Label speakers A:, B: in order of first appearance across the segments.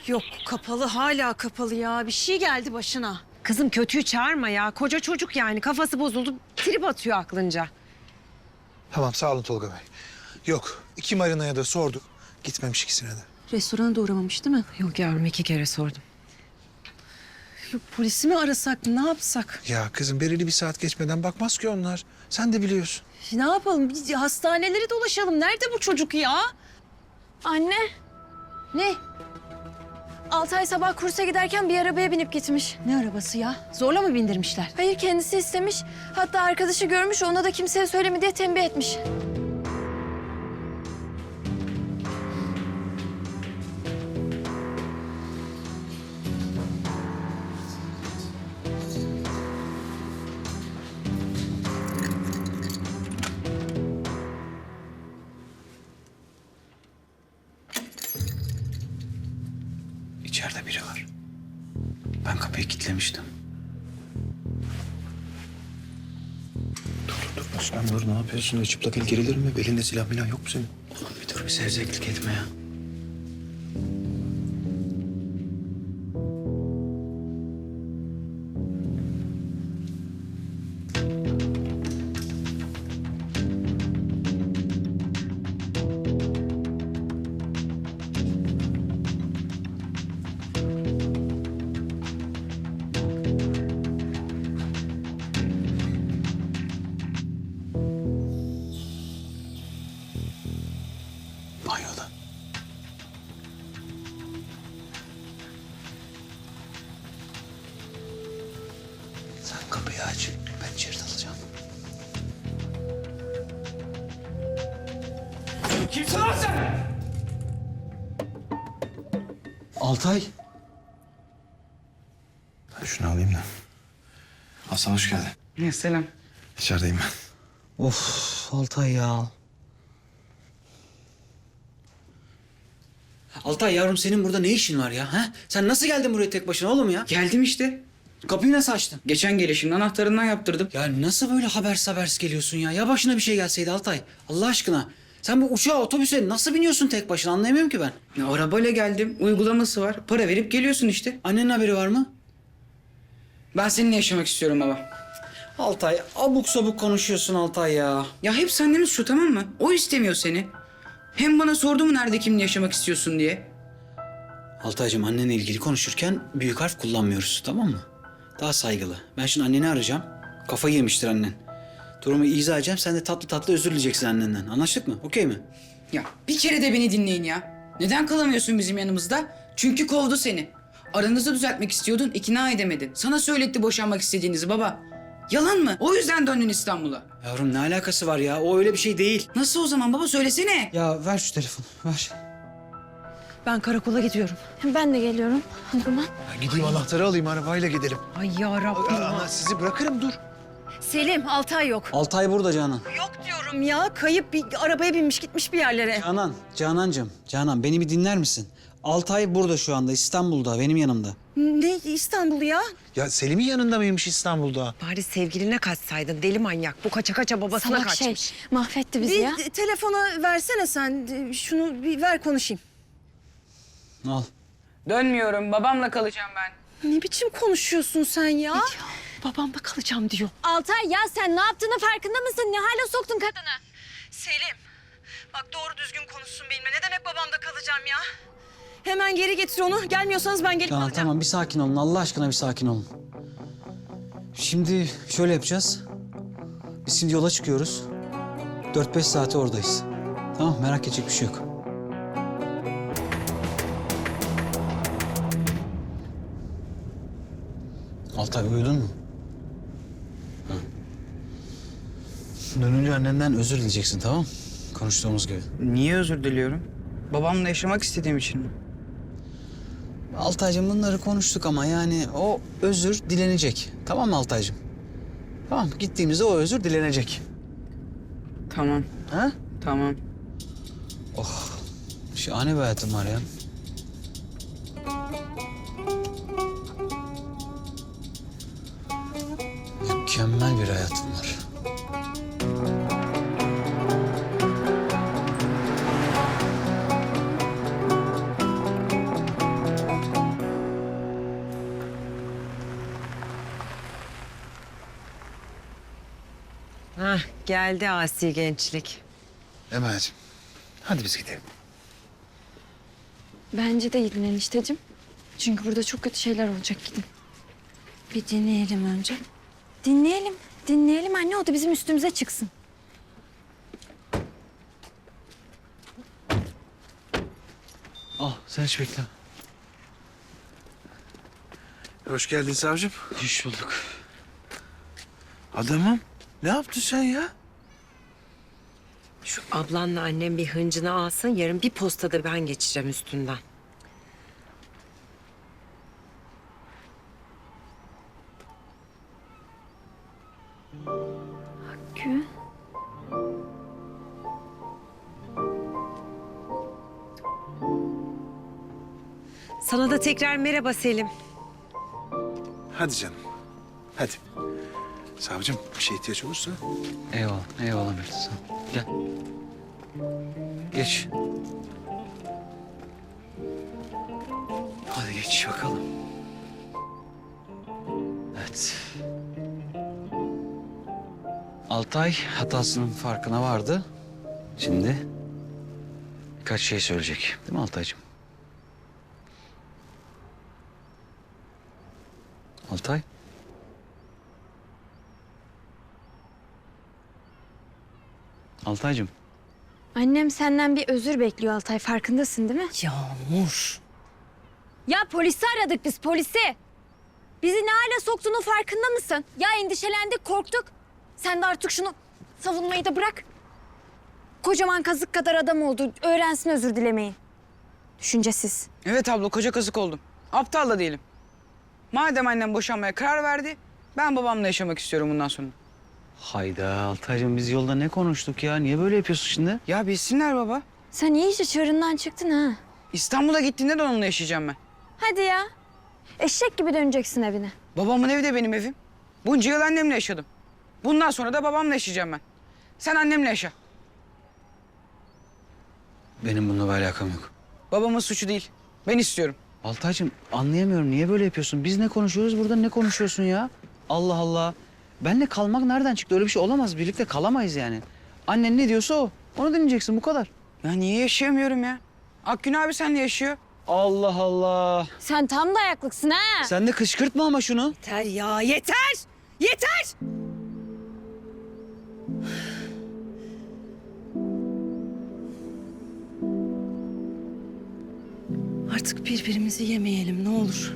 A: Yok kapalı, hala kapalı ya. Bir şey geldi başına.
B: Kızım kötüyü çağırma ya. Koca çocuk yani. Kafası bozuldu. Trip atıyor aklınca.
C: Tamam sağ olun Tolga Bey. Yok 2 marinaya da sorduk. Gitmemiş ikisine de.
A: Restorana da uğramamış değil mi?
B: Yok yavrum 2 kere sordum.
A: Yok polisi mi arasak, ne yapsak?
C: Ya kızım belirli bir saat geçmeden bakmaz ki onlar. Sen de biliyorsun.
A: Ne yapalım? Bir hastaneleri dolaşalım. Nerede bu çocuk ya?
D: Anne,
A: Ne?
D: Altay sabah kursa giderken bir arabaya binip gitmiş.
A: Ne arabası ya? Zorla mı bindirmişler?
D: Hayır, kendisi istemiş. Hatta arkadaşı görmüş, ona da kimseye söyleme diye tembih etmiş.
E: İçeride biri var. Ben kapıyı kilitlemiştim. Dur Osman dur, ne yapıyorsun? Öyle çıplak el gerilir mi? Belinde silah falan yok mu senin? Oğlum bir dur, bir sevzeklik etme ya. Banyoda. Sen kapıyı aç, ben içeri dalacağım.
F: Kimsin lan sen?
E: Altay. Ben şunu alayım da. Hasan hoş geldin.
F: Ya selam.
E: İçerideyim ben.
F: Of Altay ya.
G: Altay yavrum senin burada ne işin var ya? Ha? Sen nasıl geldin buraya tek başına oğlum ya?
F: Geldim işte.
G: Kapıyı nasıl açtın?
F: Geçen gelişimde anahtarından yaptırdım.
G: Ya nasıl böyle habersiz geliyorsun ya? Ya başına bir şey gelseydi Altay. Allah aşkına. Sen bu uçağa, otobüse nasıl biniyorsun tek başına anlayamıyorum ki ben.
F: Ya arabayla geldim. Uygulaması var. Para verip geliyorsun işte.
G: Annenin haberi var mı?
F: Ben seninle yaşamak istiyorum baba.
G: Altay abuk sabuk konuşuyorsun Altay ya.
F: Ya hep annemiz şu, tamam mı? O istemiyor seni. Hem bana sordu mu nerede kimle yaşamak istiyorsun diye.
G: Altaycığım annenle ilgili konuşurken büyük harf kullanmıyoruz, tamam mı? Daha saygılı. Ben şimdi anneni arayacağım. Kafayı yemiştir annen. Durumu izah edeceğim. Sen de tatlı tatlı özür dileyeceksin annenden. Anlaştık mı? Okey mi?
F: Ya bir kere de beni dinleyin ya. Neden kalamıyorsun bizim yanımızda? Çünkü kovdu seni. Aranızı düzeltmek istiyordun, ikna edemedin. Sana söyletti boşanmak istediğinizi baba. Yalan mı? O yüzden döndün İstanbul'a.
G: Yavrum ne alakası var ya? O öyle bir şey değil.
F: Nasıl o zaman baba, söylesene.
G: Ya ver şu telefonu. Ver.
A: Ben karakola gidiyorum.
D: Ben de geliyorum o zaman.
C: Ya gideyim anahtarı alayım arabayla gidelim.
B: Ay yarabbim.
C: Ana sizi bırakırım dur.
A: Selim, Altay yok.
G: Altay burada Canan.
A: Yok diyorum ya. Kayıp bir arabaya binmiş gitmiş bir yerlere.
G: Canan beni bir dinler misin? Altay burada şu anda, İstanbul'da, benim yanımda.
A: Ne İstanbul'u ya?
C: Ya Selim'in yanında mıymış İstanbul'da?
B: Bari sevgiline kaçsaydın deli manyak. Bu kaça kaça babasına
D: Salak şey,
B: kaçmış.
D: mahvetti bizi ya.
A: Bir telefona versene sen. Şunu bir ver konuşayım.
G: Al.
F: Dönmüyorum, babamla kalacağım ben.
A: Ne biçim konuşuyorsun sen ya? Babamda kalacağım diyor.
D: Altay ya, sen ne yaptığının farkında mısın? Ne hale soktun kadını?
A: Selim, bak doğru düzgün konuşsun benimle. Ne demek babamda kalacağım ya? Hemen geri getir onu. Gelmiyorsanız ben gelip
G: Canan
A: alacağım.
G: tamam bir sakin olun. Allah aşkına bir sakin olun. Şimdi şöyle yapacağız. Biz şimdi yola çıkıyoruz. 4-5 saate oradayız. Tamam merak edecek bir şey yok. Altay uyudun mu? Hı. Dönünce annenden özür dileyeceksin tamam mı? Konuştuğumuz gibi.
F: Niye özür diliyorum? Babamla yaşamak istediğim için mi?
G: Altaycığım bunları konuştuk ama yani o özür dilenecek. Tamam mı Altaycığım? Tamam gittiğimizde o özür dilenecek.
F: Tamam,
G: Ha?
F: tamam.
G: Şahane bir hayatım var ya. Mükemmel bir hayatım var.
B: Hah, geldi asi gençlik.
C: Emel'ciğim hadi biz gidelim.
D: Bence de gidin enişteciğim. Çünkü burada çok kötü şeyler olacak, gidin. Bir dinleyelim önce. Dinleyelim. Dinleyelim anne, o da bizim üstümüze çıksın.
G: Al sen hiç bekle.
E: Hoş geldin savcım.
G: Hoş bulduk.
E: Adamım ne yaptın sen ya?
B: Şu ablanla annem bir hıncını alsın. Yarın bir postada ben geçeceğim üstünden.
D: Gül.
B: Sana da tekrar merhaba Selim.
E: Hadi canım. Hadi. Savcım bir şey ihtiyaç olursa.
G: Eyvallah, eyvallah Mert. Sağ ol. Gel. Geç. Hadi geç bakalım. Evet. Altay hatasının farkına vardı. Şimdi birkaç şey söyleyecek. Değil mi Altaycığım? Altay? Altaycığım.
D: Annem senden bir özür bekliyor Altay, farkındasın değil mi?
B: Yağmur.
D: Ya polisi aradık biz, polisi. Bizi ne hale soktuğunun farkında mısın? Ya endişelendik, korktuk. Sen de artık şunu savunmayı da bırak. Kocaman kazık kadar adam oldu. Öğrensin özür dilemeyi. Düşüncesiz.
F: Evet abla, koca kazık oldum. Aptal da değilim. Madem annem boşanmaya karar verdi, ben babamla yaşamak istiyorum bundan sonra.
G: Hayda Altaycığım biz yolda ne konuştuk ya? Niye böyle yapıyorsun şimdi?
F: Ya bilsinler baba.
D: Sen iyice çığırından çıktın ha.
F: İstanbul'a gittiğinde de onunla yaşayacağım ben.
D: Hadi ya. Eşek gibi döneceksin evine.
F: Babamın evi de benim evim. Bunca yıl annemle yaşadım. Bundan sonra da babamla yaşayacağım ben. Sen annemle yaşa.
G: Benim bununla bir alakam yok.
F: Babamın suçu değil. Ben istiyorum.
G: Altaycığım anlayamıyorum. Niye böyle yapıyorsun? Biz ne konuşuyoruz burada ne konuşuyorsun ya? Allah Allah. Benle kalmak nereden çıktı? Öyle bir şey olamaz. Birlikte kalamayız yani. Annen ne diyorsa o. Onu dinleyeceksin bu kadar.
F: Ya niye yaşayamıyorum ya? Akgün abi seninle yaşıyor.
G: Allah Allah.
D: Sen tam dayaklıksın ha.
G: Sen de kışkırtma ama şunu.
B: Yeter ya, yeter! Yeter!
A: Artık birbirimizi yemeyelim ne olur.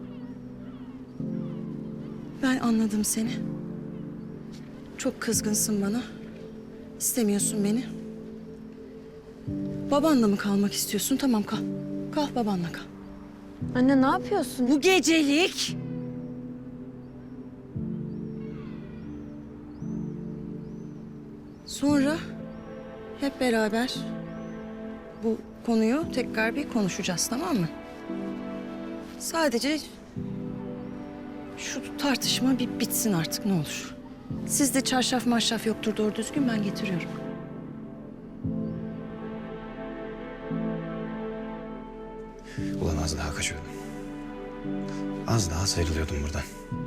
A: Ben anladım seni. Çok kızgınsın bana. İstemiyorsun beni. Babanla mı kalmak istiyorsun? Tamam kal. Kal babanla kal.
D: Anne ne yapıyorsun?
B: Bu gecelik
A: Sonra hep beraber bu konuyu tekrar bir konuşacağız, tamam mı? Sadece şu tartışma bir bitsin artık ne olur. Sizde çarşaf marşaf yoktur doğru düzgün, ben getiriyorum.
E: Ulan az daha kaçıyordum. Az daha sıyrılıyordum buradan.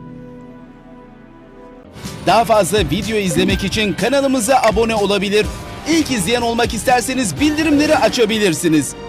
H: Daha fazla video izlemek için kanalımıza abone olabilir. İlk izleyen olmak isterseniz bildirimleri açabilirsiniz.